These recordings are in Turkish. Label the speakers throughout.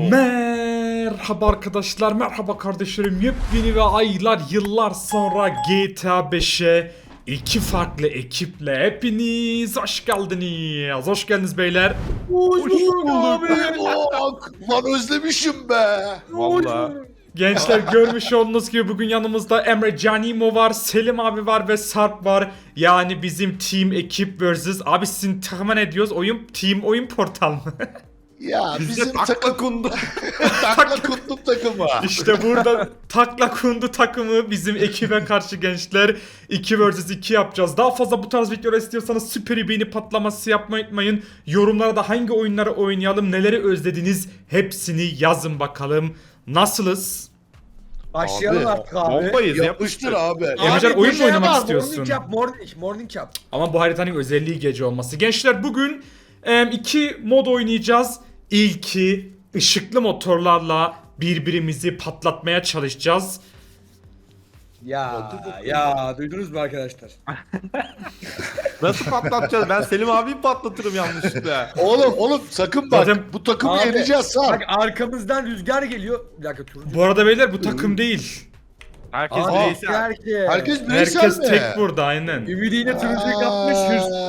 Speaker 1: Merhaba arkadaşlar, merhaba kardeşlerim. Yepyeni ve aylar, yıllar sonra GTA 5'e iki farklı ekiple hepiniz hoş geldiniz. Hoş geldiniz beyler.
Speaker 2: Hoş bulduk abi.
Speaker 3: Lan özlemişim be.
Speaker 2: Vallahi.
Speaker 1: Gençler görmüş olduğunuz gibi bugün yanımızda Emre Canimo var, Selim abi var ve Sarp var. Yani bizim team ekip vs. Abi sizin takıma ne diyoruz? Oyun portal mı?
Speaker 3: Ya
Speaker 2: Bizde
Speaker 3: bizim
Speaker 2: takla
Speaker 3: takım
Speaker 2: kundu.
Speaker 3: takla kundum takımı.
Speaker 1: İşte burada Takla Kundu takımı bizim ekibe karşı gençler 2 vs 2 yapacağız. Daha fazla bu tarz videolar istiyorsanız süper beğeni patlaması yapmayı unutmayın. Yorumlara da hangi oyunları oynayalım, neleri özlediniz hepsini yazın bakalım. Nasılız?
Speaker 4: Başlayalım
Speaker 3: Abi,
Speaker 4: artık abi.
Speaker 2: Bombayız
Speaker 3: Yapıştır abi.
Speaker 1: Emrecan,
Speaker 4: Abi,
Speaker 1: oyun
Speaker 4: bir
Speaker 1: mu
Speaker 4: şey
Speaker 1: oynamak
Speaker 4: var,
Speaker 1: istiyorsun?
Speaker 4: Morning yap.
Speaker 1: Ama bu haritanın özelliği gece olması. Gençler bugün iki mod oynayacağız. İlki ışıklı motorlarla birbirimizi patlatmaya çalışacağız.
Speaker 4: Ya duydunuz mu arkadaşlar?
Speaker 2: Nasıl patlatacağız? Ben Selim abiyi patlatırım yanlışlıkla.
Speaker 3: Oğlum sakın bak.
Speaker 1: Zaten-
Speaker 3: Bu takımı
Speaker 4: Abi,
Speaker 3: yeneceğiz Sarp.
Speaker 4: Bak arkamızdan rüzgar geliyor. Bir dakika turuncu.
Speaker 1: Bu arada beyler bu takım değil.
Speaker 2: Herkes
Speaker 4: Abi,
Speaker 2: bireysel.
Speaker 3: Herkes bireysel
Speaker 1: Herkes
Speaker 3: mi?
Speaker 1: tek burada aynen.
Speaker 4: Ümidi yine turuncuyu kapmış.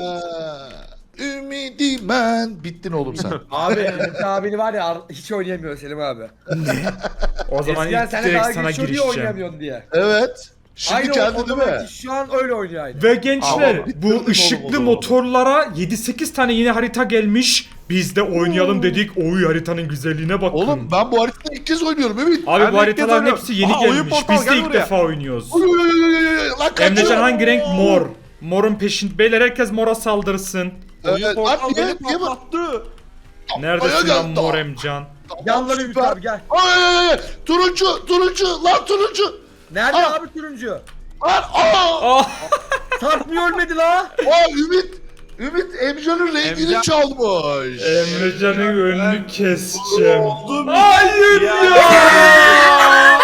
Speaker 3: Ümidi ben. Bittin oğlum sen.
Speaker 4: Abi Ümit abini var ya hiç oynayamıyor Selim abi.
Speaker 1: O zaman
Speaker 4: Eskiden
Speaker 1: ilk
Speaker 4: sana
Speaker 1: direkt
Speaker 4: daha
Speaker 1: sana
Speaker 4: geçiyor diye
Speaker 1: girişeceğim.
Speaker 4: oynayamıyorsun diye.
Speaker 3: Evet. Şimdi
Speaker 4: Aynı
Speaker 3: kendi
Speaker 4: o
Speaker 3: değil mi?
Speaker 4: zaman şu an öyle oynuyor aynı.
Speaker 1: Ve gençler
Speaker 2: Ama
Speaker 1: bu
Speaker 2: oğlum o
Speaker 1: ışıklı
Speaker 2: zaman.
Speaker 1: motorlara 7-8 tane yeni harita gelmiş. Biz de oynayalım dedik. Oy haritanın güzelliğine bakın.
Speaker 3: Oğlum ben bu haritada ilk kez oynuyorum Ümit.
Speaker 1: Abi
Speaker 2: Ben
Speaker 1: bu
Speaker 2: de ilk
Speaker 1: haritaların
Speaker 2: kez oynuyorum.
Speaker 1: hepsi yeni
Speaker 2: Aa, oyun
Speaker 1: gelmiş.
Speaker 2: portal,
Speaker 1: Biz de
Speaker 2: gel
Speaker 1: ilk
Speaker 2: buraya.
Speaker 1: defa oynuyoruz.
Speaker 3: Oy, oy, oy, oy, oy, lan kaçıyor.
Speaker 1: Emrecan hangi renk? Mor. Morun peşin. Beyler herkes mora saldırsın.
Speaker 2: Oyun
Speaker 3: Evet,
Speaker 2: portal
Speaker 3: lan
Speaker 2: beni
Speaker 3: niye bak?
Speaker 2: patlattı.
Speaker 1: Neredesin
Speaker 3: Aya
Speaker 1: lan
Speaker 3: geldi.
Speaker 1: Mor Emcan?
Speaker 4: Gel lan Ümit
Speaker 3: Süper.
Speaker 4: abi gel.
Speaker 3: Ay. Turuncu lan turuncu.
Speaker 4: Nerede
Speaker 3: Aa.
Speaker 4: abi turuncu?
Speaker 3: Lan
Speaker 1: Ah!
Speaker 4: Sarp niye ölmedi la?
Speaker 3: Ümit Emrecan'ın rengini
Speaker 2: Emrecan-
Speaker 3: çalmış.
Speaker 1: Emrecan'ın önünü keseceğim.
Speaker 2: Oldum.
Speaker 1: Hayır
Speaker 2: Ya.
Speaker 1: ya!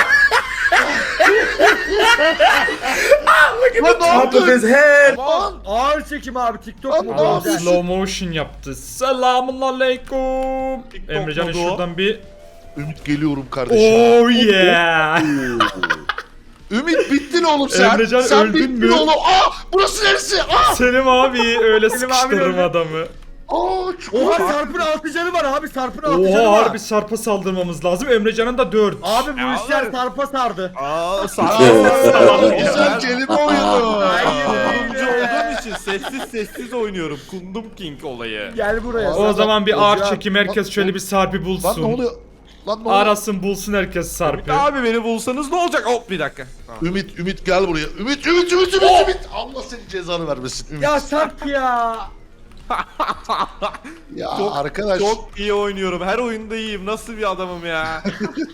Speaker 3: Lan ne yaptın? Lan.
Speaker 4: Ağır çekim abi TikTok
Speaker 3: Lan
Speaker 4: mu?
Speaker 3: ne
Speaker 1: Adam
Speaker 3: yapıyorsun?
Speaker 1: slow motion yaptı. Selamun aleyküm.
Speaker 2: TikTok
Speaker 1: Emrecan'ın
Speaker 2: modu.
Speaker 1: şuradan bir...
Speaker 3: Ümit geliyorum kardeşim.
Speaker 1: Oh yeah!
Speaker 3: Ümit bittin oğlum sen.
Speaker 1: Emrecan,
Speaker 3: sen
Speaker 1: öldün
Speaker 3: bittin
Speaker 1: mü?
Speaker 3: oğlum. Burası neresi?
Speaker 1: Selim abi öyle
Speaker 4: Selim abi
Speaker 1: sıkıştırırım
Speaker 4: öldü.
Speaker 1: adamı.
Speaker 4: Oha Sarp'ın 6 canı var abi Sarp'ın 6 canı
Speaker 1: Oha
Speaker 4: var.
Speaker 1: harbi Sarp'a saldırmamız lazım. Emrecan'ın da 4.
Speaker 4: Abi bu
Speaker 2: Ya
Speaker 4: işler
Speaker 2: oğlum.
Speaker 4: Sarp'a sardı.
Speaker 2: Aa, sağ
Speaker 3: Güzel kelime oyunu.
Speaker 2: Kundumcu olduğum için sessiz oynuyorum. Kundum King olayı.
Speaker 4: Gel buraya.
Speaker 1: O zaman bir ağır
Speaker 3: Hocam,
Speaker 1: çekim herkes şöyle bir Sarp'ı
Speaker 3: Lan ne
Speaker 1: bulsun.
Speaker 3: oluyor? Lan ne oluyor?
Speaker 1: Arasın bulsun herkes Sarp'ı.
Speaker 2: Abi beni bulsanız ne olacak? Hop bir dakika.
Speaker 3: Ümit gel buraya. Ümit. Allah senin cezanı vermesin Ümit.
Speaker 4: Ya Sarp ya.
Speaker 3: Ya
Speaker 2: Çok-
Speaker 3: arkadaş.
Speaker 2: Çok iyi oynuyorum. Her oyunda iyiyim. Nasıl bir adamım ya?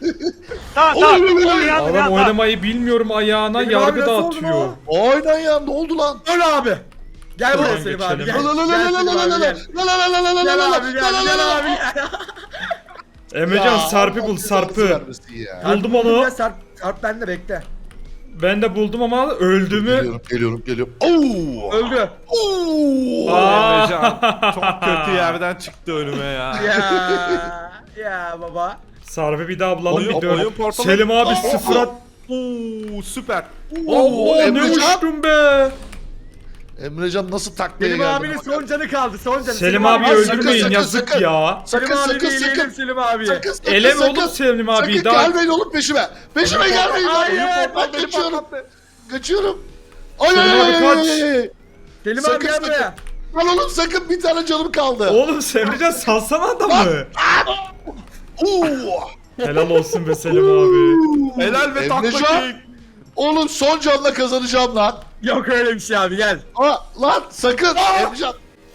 Speaker 1: Adam oynamayı bilmiyorum ayağına
Speaker 4: Selim
Speaker 1: yargı
Speaker 4: abi nasıl oldu
Speaker 1: dağıtıyor.
Speaker 4: lan?
Speaker 3: Oynan ya ne oldu lan?
Speaker 4: Öl abi. Gel buraya
Speaker 1: Tamam,
Speaker 4: Selim abi
Speaker 1: geçelim.
Speaker 4: gel. Gel Selim abi gel. Gel abi gel abi.
Speaker 1: Emrecan Sarp'ı bul Sarp'ı. Buldum onu.
Speaker 4: Ya Sarp bende bekle.
Speaker 1: Ben de buldum ama öldü mü?
Speaker 3: Geliyorum. Oo!
Speaker 4: Öldü.
Speaker 3: Oo!
Speaker 1: Aa.
Speaker 2: Emrecan çok kötü yerden çıktı önüme ya.
Speaker 4: Ya baba.
Speaker 1: Sarp'ı bir daha bulalım
Speaker 2: Oyun-
Speaker 1: bir dön.
Speaker 2: oyun portalı-
Speaker 1: Selim abi
Speaker 2: Oh,
Speaker 1: sıfıra...
Speaker 2: Oo süper.
Speaker 1: Oo ne
Speaker 3: Emrecan.
Speaker 1: uçtum be.
Speaker 3: Emrecan nasıl taklaya
Speaker 4: Selim
Speaker 3: geldi?
Speaker 4: abinin son canı kaldı son canı.
Speaker 1: Selim abi
Speaker 3: abi,
Speaker 1: öldürmeyin
Speaker 3: sakın,
Speaker 1: yazık
Speaker 3: sakın.
Speaker 1: ya.
Speaker 4: Selim
Speaker 3: Sakın,
Speaker 4: abi
Speaker 3: sakın,
Speaker 4: eleyelim
Speaker 3: sakın.
Speaker 4: Selim abi.
Speaker 3: Sakın.
Speaker 1: Eleme oğlum Selim abi
Speaker 3: Sakın
Speaker 1: daha.
Speaker 3: gelmeyin oğlum peşime. Peşime gelmeyin.
Speaker 4: Hayır,
Speaker 3: Ben kaçıyorum. Kaçıyorum. Ay
Speaker 1: Selim abi kaç.
Speaker 4: Selim
Speaker 3: Sakın,
Speaker 4: abi gel
Speaker 3: sakın.
Speaker 4: buraya.
Speaker 3: Lan oğlum sakın bir tane canım kaldı.
Speaker 1: Oğlum Emrecan salsana adamı.
Speaker 3: Oo!
Speaker 1: Helal olsun be Selim abi.
Speaker 2: Helal ve tatlı
Speaker 3: Emrecan.
Speaker 2: King.
Speaker 3: Oğlum son canla kazanacağım lan.
Speaker 4: Yok öyle bir şey abi gel.
Speaker 3: Lan sakın Emrecan.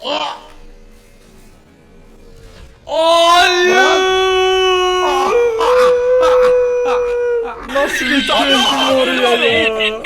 Speaker 1: Nasıl bitirdin oraya ya?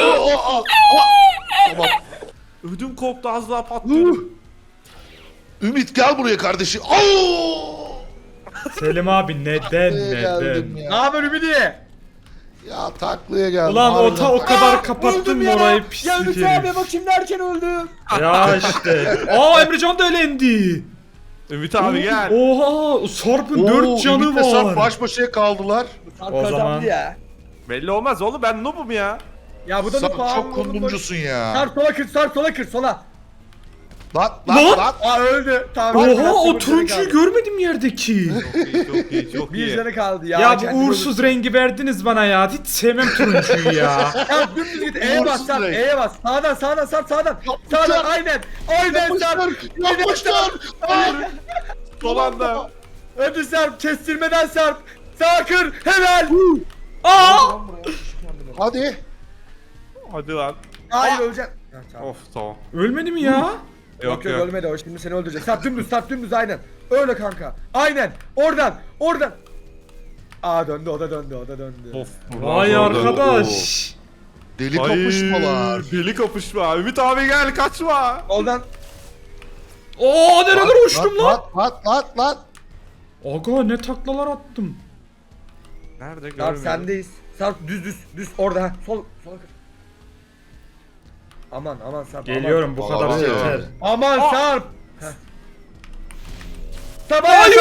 Speaker 3: Tamam.
Speaker 2: Ödüm koptu az daha patlıyordu.
Speaker 3: Ümit gel buraya kardeşim. Oo!
Speaker 1: Selim abi neden
Speaker 3: Geldim
Speaker 1: neden?
Speaker 3: ya.
Speaker 4: Ne haber Ümidi?
Speaker 3: Ya taklaya geldim.
Speaker 1: Ulan
Speaker 3: harbiden.
Speaker 1: o kadar kapattın
Speaker 4: Öldüm
Speaker 1: mı
Speaker 4: ya.
Speaker 1: orayı
Speaker 4: Ya
Speaker 1: pislik
Speaker 4: Ümit
Speaker 1: herif.
Speaker 4: abi bakayım derken öldü.
Speaker 1: Ya işte. Aa Emrecan da elendi.
Speaker 2: Ümit abi gel.
Speaker 1: Oha Sarp'ın
Speaker 3: Oo,
Speaker 1: 4 canı
Speaker 3: Ümit'le Sarp
Speaker 1: var.
Speaker 3: baş başa kaldılar.
Speaker 4: Sarp
Speaker 1: O
Speaker 4: kazandı
Speaker 1: zaman-
Speaker 4: ya.
Speaker 2: Belli olmaz oğlum ben noobum ya.
Speaker 4: Ya bu da
Speaker 3: Sarp
Speaker 4: bir puan.
Speaker 3: çok kundumcusun ya.
Speaker 4: Sarp sola kır, Sarp sola kır, sola.
Speaker 3: Lan
Speaker 1: Lan!
Speaker 3: lan.
Speaker 4: Aa öldü. Tamam.
Speaker 1: Oha
Speaker 4: biraz
Speaker 1: o
Speaker 4: sıfır canı
Speaker 1: turuncuyu
Speaker 4: kaldı.
Speaker 1: görmedim yerdeki.
Speaker 2: Çok iyi çok
Speaker 4: Bir
Speaker 2: iyi.
Speaker 4: canı kaldı ya.
Speaker 1: Ya
Speaker 4: kendini
Speaker 1: bu uğursuz
Speaker 4: öldürsün.
Speaker 1: rengi verdiniz bana ya. Hiç sevmem turuncuyu ya.
Speaker 4: Sarp dümdüz git. E'ye bas
Speaker 3: Uğursuz
Speaker 4: Sarp.
Speaker 3: renk.
Speaker 4: E'ye bas. Sağdan sağdan Sarp sağdan.
Speaker 3: Yapmışlar.
Speaker 4: Sağdan aynen. Aynen
Speaker 3: Yapmışlar.
Speaker 4: Sarp.
Speaker 3: Yapmışlar.
Speaker 2: Son anda.
Speaker 4: Hadi Sarp kestirmeden Sarp. Sağ kır. Helal.
Speaker 1: Aa!
Speaker 3: Hadi.
Speaker 2: Hadi lan.
Speaker 4: Hayır öleceksin. Ha, tamam.
Speaker 2: Of tamam.
Speaker 1: Ölmedi mi ya?
Speaker 4: Yok yok ölmedi o şimdi seni öldürecek. Sarp dümdüz aynen. Öyle kanka. Aynen. Oradan. Aa döndü o da döndü.
Speaker 2: Of.
Speaker 1: Vay arkadaş.
Speaker 3: Deli kapışmalar.
Speaker 2: Deli kapışma. Ümit abi gel kaçma.
Speaker 4: Oradan.
Speaker 1: Oo nerelere uçtum lan?
Speaker 3: Lan.
Speaker 1: Aga ne taklalar attım.
Speaker 2: Nerede
Speaker 4: Sarp
Speaker 2: görmüyorum.
Speaker 4: sendeyiz. Sarp düz orada. Ha. Sola kır. Aman Sarp.
Speaker 1: Geliyorum bu kadar
Speaker 3: Aman ya.
Speaker 1: yeter.
Speaker 4: Aman Sarp. Heh. Tamam.
Speaker 1: Hayır!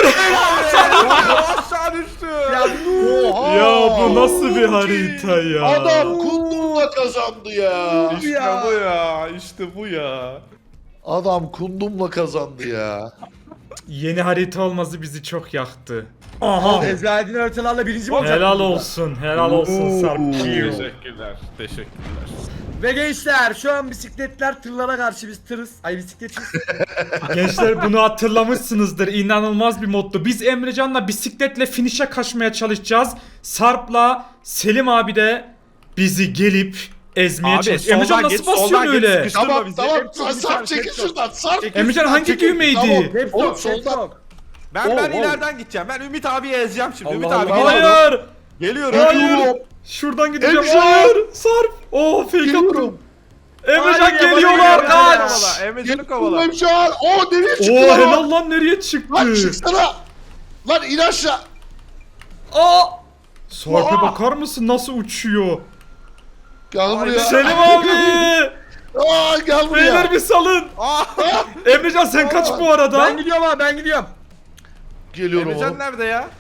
Speaker 2: Aşağı düştü.
Speaker 4: Ya
Speaker 3: Oha.
Speaker 1: Ya bu nasıl bir harita ya?
Speaker 3: Adam kundumla kazandı ya.
Speaker 2: İşte
Speaker 4: ya.
Speaker 2: bu ya. İşte bu ya.
Speaker 3: Adam kundumla kazandı ya.
Speaker 1: Yeni harita olması bizi çok yaktı. Aha.
Speaker 4: Ezberlediğin haritalarla birinci mi olacak?
Speaker 1: Helal olsun. Helal olsun Sarp.
Speaker 2: Teşekkürler. Teşekkürler.
Speaker 4: Ve gençler şu an bisikletler tırlara karşı biz tırız. Ay bisikletçiyiz.
Speaker 1: Gençler bunu hatırlamışsınızdır. İnanılmaz bir moddu. Biz Emrecan'la bisikletle finish'e kaçmaya çalışacağız. Sarp'la Selim abi de bizi gelip ezmeye
Speaker 2: Abi,
Speaker 1: çalışacak. Emrecan
Speaker 2: soldan
Speaker 1: nasıl
Speaker 2: git,
Speaker 1: basıyorsun
Speaker 2: soldan git,
Speaker 1: öyle?
Speaker 2: sıkış. Kıştırma
Speaker 3: Tamam
Speaker 2: bizi.
Speaker 3: tamam.
Speaker 2: Hep çok
Speaker 3: Sarp
Speaker 2: güzel,
Speaker 3: çekil
Speaker 2: hep çok-
Speaker 3: şuradan. Sarp.
Speaker 1: Emrecan hangi
Speaker 3: Çekil.
Speaker 1: düğmeydi?
Speaker 3: Tamam.
Speaker 4: Hep
Speaker 3: Oğlum,
Speaker 4: sok, hep
Speaker 3: soldan.
Speaker 4: sok.
Speaker 2: Ben
Speaker 3: Oh, oh.
Speaker 2: ileriden gideceğim. Ben Ümit abiyi ezeceğim şimdi. Ümit
Speaker 4: Allah
Speaker 2: abi
Speaker 4: Allah.
Speaker 2: geliyorum.
Speaker 1: Hayır.
Speaker 2: Geliyorum.
Speaker 1: Hayır. Şuradan gideceğim.
Speaker 3: Emrecan.
Speaker 1: Hayır. Sarp. Oo fake attım.
Speaker 3: Geliyorum.
Speaker 1: Emrecan
Speaker 4: Hayır,
Speaker 1: geliyorlar
Speaker 4: bana
Speaker 1: kaç.
Speaker 2: Kovala. Emrecan'ı
Speaker 3: Geliyorum
Speaker 2: kovala.
Speaker 3: Emrecan. Oo nereye çıktı
Speaker 1: Oo
Speaker 3: lan?
Speaker 1: helal lan nereye çıktı?
Speaker 3: Lan çıksana. Lan in aşağı.
Speaker 1: Aa! Sarp'a
Speaker 3: Aa!
Speaker 1: bakar mısın nasıl uçuyor?
Speaker 3: Gel buraya.
Speaker 1: Selim abi!
Speaker 3: Aa gel buraya.
Speaker 1: Beyler bir salın. Emrecan sen kaç bu arada?
Speaker 4: Ben gidiyorum abi ben gidiyorum.
Speaker 3: Geliyorum
Speaker 2: Emrecan
Speaker 3: oğlum.
Speaker 2: nerede ya?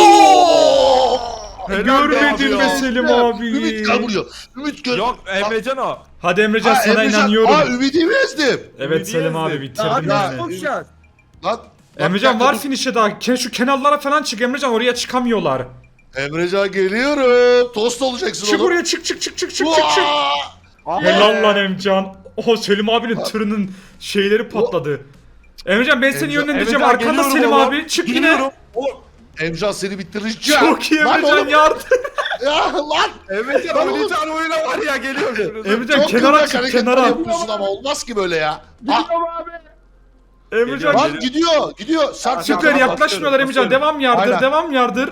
Speaker 1: Oo!
Speaker 2: Helal be
Speaker 1: Görmedin
Speaker 2: abi
Speaker 1: mi
Speaker 2: ya.
Speaker 1: Selim abi?
Speaker 3: Ümit gel buraya. Ümit gel.
Speaker 2: Yok Emrecan o.
Speaker 1: Hadi Emrecan
Speaker 3: Ha,
Speaker 1: sana
Speaker 3: Emrecan.
Speaker 1: inanıyorum.
Speaker 3: Aa Ümit'i mi ezdim?
Speaker 1: Evet
Speaker 2: Ümidi
Speaker 1: Selim abi
Speaker 2: ezdim.
Speaker 1: bitirdin
Speaker 4: Hadi
Speaker 3: ya.
Speaker 4: nasıl
Speaker 1: beni.
Speaker 4: konuşacağız?
Speaker 3: Lan.
Speaker 1: Emrecan
Speaker 3: bir
Speaker 1: var
Speaker 3: dakika,
Speaker 1: finish'e daha. Şu kenarlara falan çık Emrecan oraya çıkamıyorlar.
Speaker 3: dur. Emrecan geliyorum. Tost olacaksın
Speaker 1: Çık
Speaker 3: oğlum.
Speaker 1: oraya çık.
Speaker 3: Uaa!
Speaker 1: Helal lan Emrecan. Oho Selim abinin tırının şeyleri patladı. Emrecan ben seni
Speaker 3: Emrecan-
Speaker 1: yönlendireceğim.
Speaker 2: Emrecan,
Speaker 1: Arkanda
Speaker 2: geliyorum
Speaker 1: Selim
Speaker 2: oğlum.
Speaker 1: abi. Çık yine.
Speaker 2: Geliyorum. Oğlum,
Speaker 3: Emrecan seni bitireceğim.
Speaker 1: Çok iyi
Speaker 3: Lan
Speaker 1: Emrecan
Speaker 3: oğlum.
Speaker 1: yardım.
Speaker 3: Ya lan.
Speaker 2: Emrecan
Speaker 3: Lan
Speaker 2: oynayacağın oyuna var ya geliyor şimdi.
Speaker 1: Emrecan
Speaker 3: Çok
Speaker 1: kenara
Speaker 3: kıvrak
Speaker 1: çık
Speaker 3: hareketler
Speaker 1: kenara.
Speaker 3: yapıyorsun ama olmaz ki böyle ya.
Speaker 4: Gidiyorum abi.
Speaker 1: Emrecan
Speaker 3: Lan gidiyor. Sarp
Speaker 1: süper
Speaker 2: Tamam,
Speaker 1: yaklaşmıyorlar Emrecan.
Speaker 2: basıyorum.
Speaker 1: Devam yardır
Speaker 3: Aynen.
Speaker 1: devam yardır.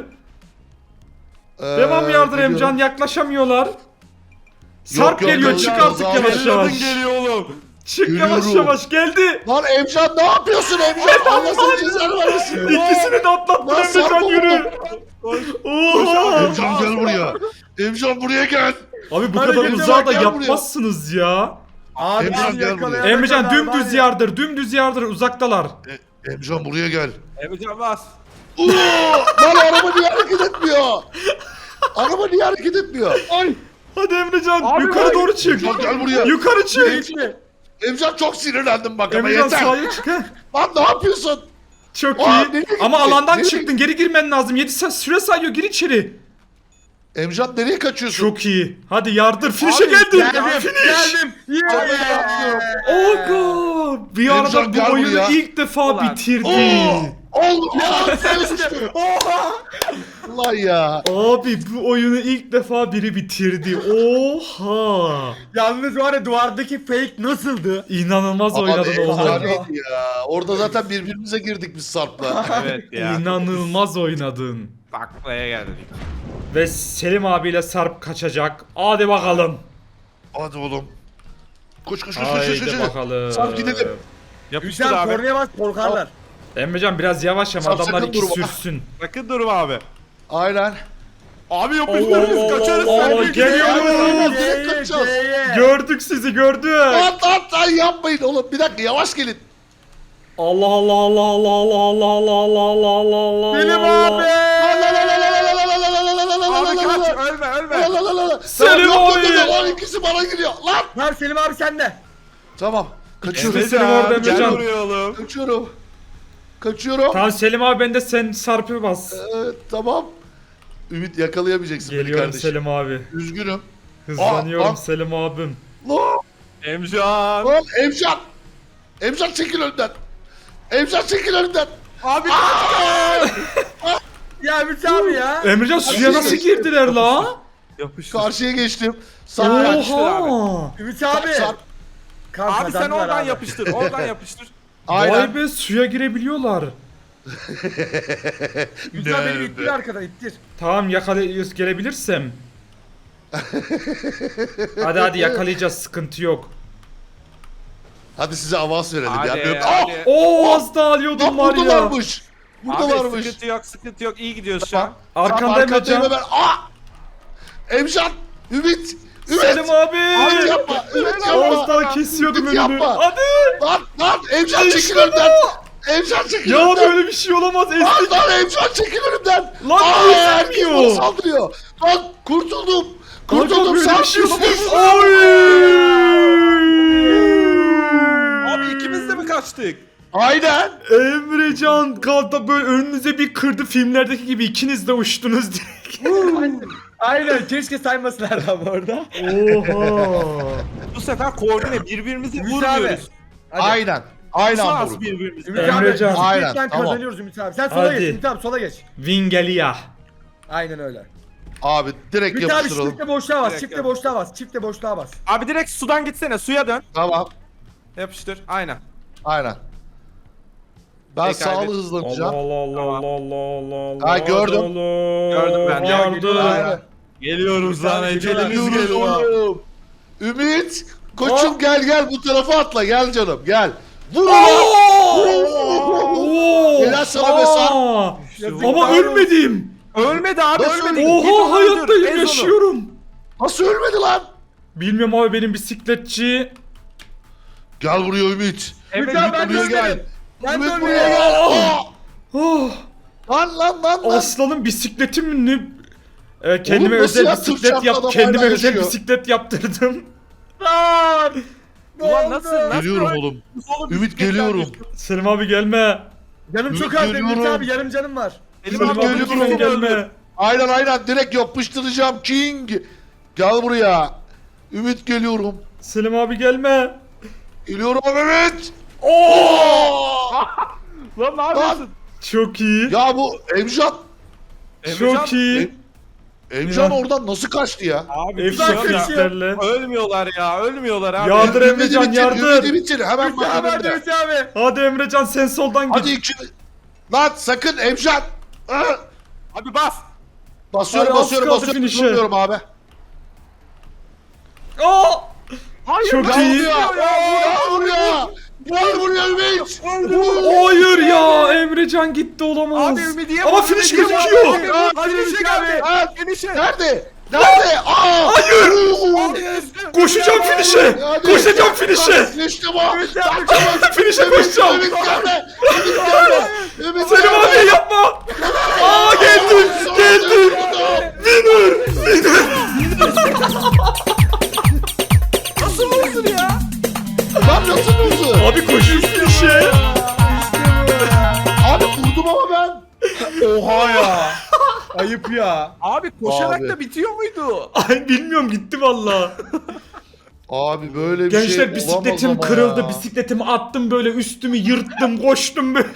Speaker 1: Devam yardır Emrecan yaklaşamıyorlar. Sarp
Speaker 3: yok,
Speaker 1: geliyor
Speaker 3: yok,
Speaker 1: çık
Speaker 3: yok,
Speaker 1: artık
Speaker 3: yok,
Speaker 1: yavaş
Speaker 2: Emrecan
Speaker 1: yavaş.
Speaker 2: geliyor oğlum.
Speaker 1: Çık yavaş
Speaker 3: Geliyorum.
Speaker 1: yavaş geldi.
Speaker 3: Lan Emrecan ne yapıyorsun Emrecan? Allah seni cezanı vermesin.
Speaker 1: İkisini de atlattın
Speaker 3: Lan Sarp
Speaker 1: Emrecan
Speaker 3: oğlum.
Speaker 1: yürü. Oha.
Speaker 3: Emrecan gel buraya. Emrecan buraya gel.
Speaker 1: Abi bu
Speaker 4: Hadi
Speaker 1: kadar
Speaker 4: gel,
Speaker 1: uzağa da
Speaker 3: gel buraya.
Speaker 1: yapmazsınız ya.
Speaker 4: Abi
Speaker 3: Emrecan
Speaker 4: bizi
Speaker 3: gel
Speaker 4: yakalayana
Speaker 3: buraya.
Speaker 1: Emrecan
Speaker 4: kadar var
Speaker 1: dümdüz
Speaker 4: ya.
Speaker 1: yardır dümdüz yardır uzaktalar.
Speaker 3: Emrecan buraya gel.
Speaker 2: Emrecan bas.
Speaker 3: Lan araba niye hareket etmiyor? Araba niye hareket etmiyor? Ay.
Speaker 1: Hadi Emrecan
Speaker 4: Abi
Speaker 1: yukarı
Speaker 4: bak.
Speaker 1: doğru çık.
Speaker 3: Emrecan gel buraya.
Speaker 1: Yukarı çık.
Speaker 4: Geçti.
Speaker 3: Emrecan çok sinirlendim bak ama
Speaker 1: Emrecan
Speaker 3: yeter.
Speaker 1: sağa çık. Heh.
Speaker 3: Lan ne yapıyorsun?
Speaker 1: Çok
Speaker 3: Aa,
Speaker 1: iyi.
Speaker 3: nereye gitti?
Speaker 1: Ama alandan
Speaker 3: Nereye
Speaker 1: çıktın. Geri girmen lazım. 7 saat süre sayıyor. Gir içeri.
Speaker 3: Emrecan nereye kaçıyorsun?
Speaker 1: Çok iyi. Hadi yardır. Finish'e
Speaker 2: Abi,
Speaker 1: geldin.
Speaker 4: Geldim.
Speaker 1: Finish.
Speaker 4: Geldim.
Speaker 3: Abi,
Speaker 4: Yeah.
Speaker 3: yapmıyorum.
Speaker 1: Oga. Bir arada
Speaker 3: Emrecan,
Speaker 1: bu
Speaker 3: gel
Speaker 1: oyunu
Speaker 3: buraya.
Speaker 1: ilk defa
Speaker 2: Ulan.
Speaker 1: bitirdi.
Speaker 3: Lan ya.
Speaker 1: Abi bu oyunu ilk defa biri bitirdi. Oha.
Speaker 4: Yalnız var ya duvardaki fake nasıldı?
Speaker 1: İnanılmaz
Speaker 3: Abi
Speaker 1: oynadın oğlum.
Speaker 3: efsaneydi ya. Orada zaten birbirimize girdik biz Sarp'la.
Speaker 2: Evet ya.
Speaker 1: İnanılmaz oynadın.
Speaker 2: Taklaya geldik.
Speaker 1: Ve Selim abiyle Sarp kaçacak. Hadi bakalım.
Speaker 3: Hadi oğlum. Koş.
Speaker 1: Haydi bakalım.
Speaker 3: Sarp gidelim.
Speaker 2: Yapıştır
Speaker 4: Hüsam
Speaker 2: abi.
Speaker 4: kornaya bas korkarlar.
Speaker 1: Emrecan biraz yavaş ama
Speaker 3: Sarp,
Speaker 1: adamlar
Speaker 3: sakın
Speaker 1: iki
Speaker 3: durma.
Speaker 1: sürsün.
Speaker 2: Sakın durma abi.
Speaker 3: Aynen.
Speaker 2: Abi yapıştırırız kaçarız. sen de
Speaker 1: geliyorum.
Speaker 3: Direkt kaçacağız.
Speaker 1: Gördük sizi gördük.
Speaker 3: Lan yapmayın oğlum. Bir dakika yavaş gelin.
Speaker 1: Allah Allah Allah Allah Allah Allah Allah Allah Allah Allah.
Speaker 4: Selim abi.
Speaker 2: Abi kaç ölme.
Speaker 1: Selim abi.
Speaker 3: Lan ikisi bana giriyor. Lan.
Speaker 4: Tamam Selim abi sende.
Speaker 3: Tamam. Kaçıyorum.
Speaker 1: Selim orada,
Speaker 2: Gel
Speaker 1: Emrecan.
Speaker 2: buraya oğlum.
Speaker 3: Kaçıyorum.
Speaker 1: Tamam Selim abi ben de sen Sarp'ı bas.
Speaker 3: Tamam. Ümit yakalayamayacaksın beni
Speaker 1: Geliyorum
Speaker 3: kardeşim.
Speaker 1: Selim abi.
Speaker 3: Üzgünüm.
Speaker 1: Hızlanıyorum
Speaker 3: Aa.
Speaker 1: Selim abim.
Speaker 3: Lan.
Speaker 2: Emcan.
Speaker 3: Lan Emcan. Emcan çekil önümden. Emcan çekil önümden.
Speaker 2: Abi
Speaker 4: Ya Ümit abi ya.
Speaker 1: Emrecan suya nasıl girdiler la?
Speaker 2: yapıştır.
Speaker 3: Karşıya geçtim. Sarp kaçtı.
Speaker 1: Oha.
Speaker 4: Ümit abi.
Speaker 3: Sarp.
Speaker 4: Kanka,
Speaker 2: Abi sen
Speaker 4: kazandılar
Speaker 2: oradan
Speaker 4: abi.
Speaker 2: yapıştır. Oradan yapıştır.
Speaker 3: Aynen.
Speaker 1: Vay be suya girebiliyorlar.
Speaker 4: Ümit abi beni ittir arkadan ittir.
Speaker 1: Tamam gelebilirsem. Hadi yakalayacağız sıkıntı yok.
Speaker 3: Hadi size avans verelim
Speaker 2: Hadi,
Speaker 3: ya.
Speaker 2: hadi.
Speaker 1: Oo az daha alıyordum var
Speaker 3: Lan burada
Speaker 1: ya.
Speaker 3: varmış. Burada
Speaker 2: Abi
Speaker 3: varmış.
Speaker 2: sıkıntı yok. İyi gidiyoruz şu an.
Speaker 1: Arkanda
Speaker 3: Arkandayım
Speaker 1: Emrecan.
Speaker 3: ben. Emcan. Ümit.
Speaker 1: Selim abi.
Speaker 3: Ümit yapma. Ümit
Speaker 1: Az
Speaker 3: yapma.
Speaker 1: daha kesiyordum
Speaker 3: Ümit
Speaker 1: önünü.
Speaker 3: yapma.
Speaker 1: Hadi.
Speaker 3: Lan Emcan
Speaker 1: İşte
Speaker 3: çekil
Speaker 1: bu.
Speaker 3: önümden. Emcan çekil
Speaker 1: Ya
Speaker 3: önümden.
Speaker 1: böyle bir şey olamaz.
Speaker 3: Lan Emcan çekil önümden.
Speaker 1: Lan
Speaker 3: herkes
Speaker 1: ezilmiyor.
Speaker 3: bana saldırıyor. Lan kurtuldum.
Speaker 1: Kanka
Speaker 3: Kurtuldum
Speaker 1: böyle bir şey
Speaker 3: sarsıyorsunuz.
Speaker 1: olamaz.
Speaker 2: Abi ikimiz de mi kaçtık?
Speaker 3: Aynen.
Speaker 1: Emrecan kaldı böyle önünüze bir kırdı filmlerdeki gibi ikiniz de uçtunuz direkt.
Speaker 4: Aynen keşke saymasınlar ama orada.
Speaker 1: Oha.
Speaker 2: Bu sefer koordine birbirimizi
Speaker 4: Ümit abi.
Speaker 2: vurmuyoruz.
Speaker 4: Hadi.
Speaker 3: Aynen. Aynen
Speaker 2: Nasıl
Speaker 3: vurun.
Speaker 2: birbirimizi?
Speaker 4: Ümit
Speaker 1: Emrecan.
Speaker 4: abi
Speaker 3: Aynen,
Speaker 4: cidden
Speaker 3: tamam.
Speaker 4: kazanıyoruz Ümit abi. Sen sola
Speaker 1: Hadi.
Speaker 4: geç Ümit abi sola geç.
Speaker 1: Vingelia.
Speaker 4: Aynen öyle.
Speaker 3: Abi direkt
Speaker 4: Ümit abi
Speaker 3: yapıştıralım.
Speaker 4: çifte boşluğa bas,
Speaker 2: Direkt
Speaker 4: çifte
Speaker 2: yap.
Speaker 4: boşluğa bas, çifte boşluğa bas.
Speaker 2: Abi direkt sudan gitsene. Suya dön.
Speaker 3: Tamam.
Speaker 2: Yapıştır. Aynen.
Speaker 3: Aynen. Ben
Speaker 2: Peki,
Speaker 3: sağlı
Speaker 2: hadi.
Speaker 1: Allah
Speaker 3: hızlanacağım.
Speaker 1: Allah Allah Allah Allah Allah.
Speaker 3: Ha, gördüm.
Speaker 2: Gördüm ben.
Speaker 4: Ya, geliyorlar
Speaker 1: Yardım.
Speaker 4: ya.
Speaker 2: Geliyoruz
Speaker 4: lan, ecelimiz
Speaker 3: Geliyorum. Ümit. Koçum
Speaker 1: Aa.
Speaker 3: gel bu tarafa atla gel canım gel. Vur
Speaker 1: Oo!
Speaker 3: lan.
Speaker 1: Oo!
Speaker 3: Helal sana be Sarp.
Speaker 1: Aa!
Speaker 4: Yazık
Speaker 1: Ama
Speaker 4: var.
Speaker 1: ölmedim.
Speaker 2: Ölmedi abi
Speaker 3: Nasıl
Speaker 2: ölmedi. Git
Speaker 1: Oha
Speaker 2: onu öldür,
Speaker 1: hayattayım
Speaker 2: ez onu.
Speaker 1: yaşıyorum.
Speaker 3: Nasıl ölmedi lan?
Speaker 1: Bilmiyorum abi benim bisikletçi.
Speaker 3: Gel buraya Ümit.
Speaker 2: Evet,
Speaker 4: Ümit abi ben de
Speaker 3: buraya gel.
Speaker 4: ölmedim. Ben de
Speaker 3: Ümit
Speaker 4: ölmedim.
Speaker 3: buraya gel. Aa!
Speaker 1: Oh,
Speaker 3: Lan.
Speaker 1: aslanın bisikletim ne? Kendime
Speaker 3: Oğlum nasıl
Speaker 1: özel
Speaker 3: ya? Türk
Speaker 1: bisiklet
Speaker 3: şartlı
Speaker 1: yap.
Speaker 3: adam
Speaker 1: Kendime
Speaker 3: hala
Speaker 1: özel
Speaker 3: yaşıyor.
Speaker 1: bisiklet yaptırdım.
Speaker 4: Lan! Ne
Speaker 2: Ulan
Speaker 4: oldu?
Speaker 2: nasıl?
Speaker 3: Geliyorum oğlum. Ümit geliyorum.
Speaker 1: Selim abi gelme.
Speaker 4: Canım çok
Speaker 3: Ümit
Speaker 4: az Ümit
Speaker 3: geliyorum.
Speaker 4: abi yarım canım var.
Speaker 2: Elim
Speaker 1: Selim
Speaker 2: abi
Speaker 1: abi
Speaker 3: geliyorum.
Speaker 1: lütfen gelme.
Speaker 3: Aynen direkt yapıştıracağım King. Gel buraya. Ümit geliyorum.
Speaker 1: Selim abi gelme.
Speaker 3: Geliyorum Ümit.
Speaker 1: Oo!
Speaker 2: Lan ne yapıyorsun?
Speaker 1: Çok iyi.
Speaker 3: Ya bu Emcan.
Speaker 1: Çok iyi.
Speaker 3: Emcan
Speaker 1: Ya.
Speaker 3: oradan nasıl kaçtı ya?
Speaker 2: Abi
Speaker 1: Efsane
Speaker 2: bir şey yok ya.
Speaker 1: işlerle.
Speaker 2: Ölmüyorlar ya. Ölmüyorlar abi.
Speaker 1: Yardır Emrecan
Speaker 3: Ümidi
Speaker 1: yardır.
Speaker 3: bitir. Hemen
Speaker 4: Ümit abi hadi
Speaker 3: yanımda.
Speaker 4: Ümit abi.
Speaker 1: Hadi Emrecan sen soldan git.
Speaker 3: Hadi iki. Lan sakın Emcan.
Speaker 2: Abi bas.
Speaker 3: Basıyorum
Speaker 1: Hadi, az kaldı
Speaker 3: basıyorum.
Speaker 1: finish'e.
Speaker 3: Durmuyorum abi.
Speaker 1: Aa!
Speaker 2: Hayır.
Speaker 1: Çok
Speaker 3: Gel
Speaker 1: iyi.
Speaker 3: buraya. Gel buraya. Gel buraya Ümit.
Speaker 1: Hayır ya Emrecan gitti olamaz.
Speaker 2: Abi Ümidiye
Speaker 1: Ama
Speaker 2: bak,
Speaker 1: finish
Speaker 2: Ümidiye bak.
Speaker 1: gözüküyor.
Speaker 2: Hadi finish'e geldi.
Speaker 3: Ha,
Speaker 2: Finish'e.
Speaker 3: Nerede? Nerede? Aa!
Speaker 1: Hayır.
Speaker 2: Abi,
Speaker 1: Koşacağım finish'e.
Speaker 3: Hadi.
Speaker 1: Koşacağım finish'e.
Speaker 3: İşte bu.
Speaker 1: Finish'e koşacağım.
Speaker 3: Ümit gelme. Ümit gelme. Ümit
Speaker 1: Selim
Speaker 3: gelme.
Speaker 1: abi yapma. Aa geldim. Geldim. Winner. Winner.
Speaker 2: Nasıl olsun ya?
Speaker 3: Lan nasıl vurdu?
Speaker 1: Abi koşuyor finish'e.
Speaker 3: Abi vurdum ama ben.
Speaker 4: Oha ya. Ayıp ya.
Speaker 2: Abi koşarak
Speaker 3: Abi.
Speaker 2: da bitiyor muydu?
Speaker 1: Ay bilmiyorum gitti valla.
Speaker 3: Abi böyle bir şey
Speaker 1: Gençler
Speaker 3: olamaz
Speaker 1: bisikletim
Speaker 3: ama
Speaker 1: kırıldı.
Speaker 3: ya.
Speaker 1: Bisikletimi attım böyle üstümü yırttım koştum böyle.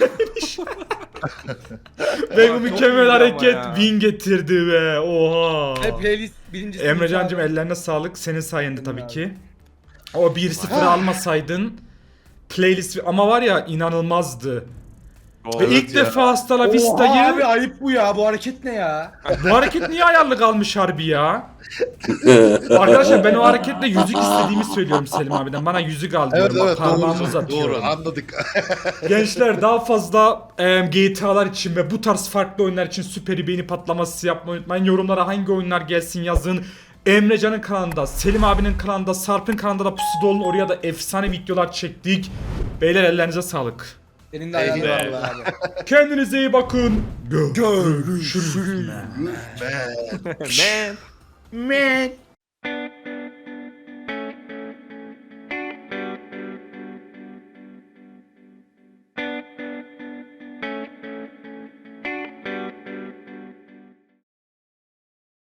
Speaker 1: Ve bu
Speaker 2: Çok
Speaker 1: mükemmel
Speaker 2: iyiydi
Speaker 1: hareket
Speaker 2: ama ya.
Speaker 1: win getirdi be. Oha.
Speaker 4: Ve playlist birincisi.
Speaker 1: Emrecancığım
Speaker 4: Ümit abi.
Speaker 1: ellerine sağlık. Senin sayende tabii ki. O 1-0 almasaydın playlist ama var ya inanılmazdı. Ve ilk
Speaker 3: ya.
Speaker 1: defa Hasta La
Speaker 4: Oha abi
Speaker 1: Vista'yı
Speaker 4: ayıp bu ya. Bu hareket ne ya?
Speaker 1: bu hareket niye ayarlı kalmış harbi ya? Arkadaşlar ben o hareketle yüzük istediğimi söylüyorum Selim abiden. Bana yüzük al
Speaker 3: Evet
Speaker 1: diyorum.
Speaker 3: evet
Speaker 1: Bak, parmağımı
Speaker 3: doğru.
Speaker 1: uzatıyorum.
Speaker 3: Doğru anladık.
Speaker 1: Gençler daha fazla GTA'lar için ve bu tarz farklı oyunlar için süper beğeni patlaması yapmayı unutmayın. Yorumlara hangi oyunlar gelsin yazın. Emrecan'ın kanalında, Selim abinin kanalında, Sarp'ın kanalında da pusuda olun. Oraya da efsane videolar çektik. Beyler ellerinize sağlık.
Speaker 4: Senin de ayağın var
Speaker 3: Eyvallah.
Speaker 4: abi.
Speaker 1: Kendinize iyi bakın.
Speaker 4: Görüşürüz.
Speaker 3: Man.
Speaker 2: Man.
Speaker 4: Man.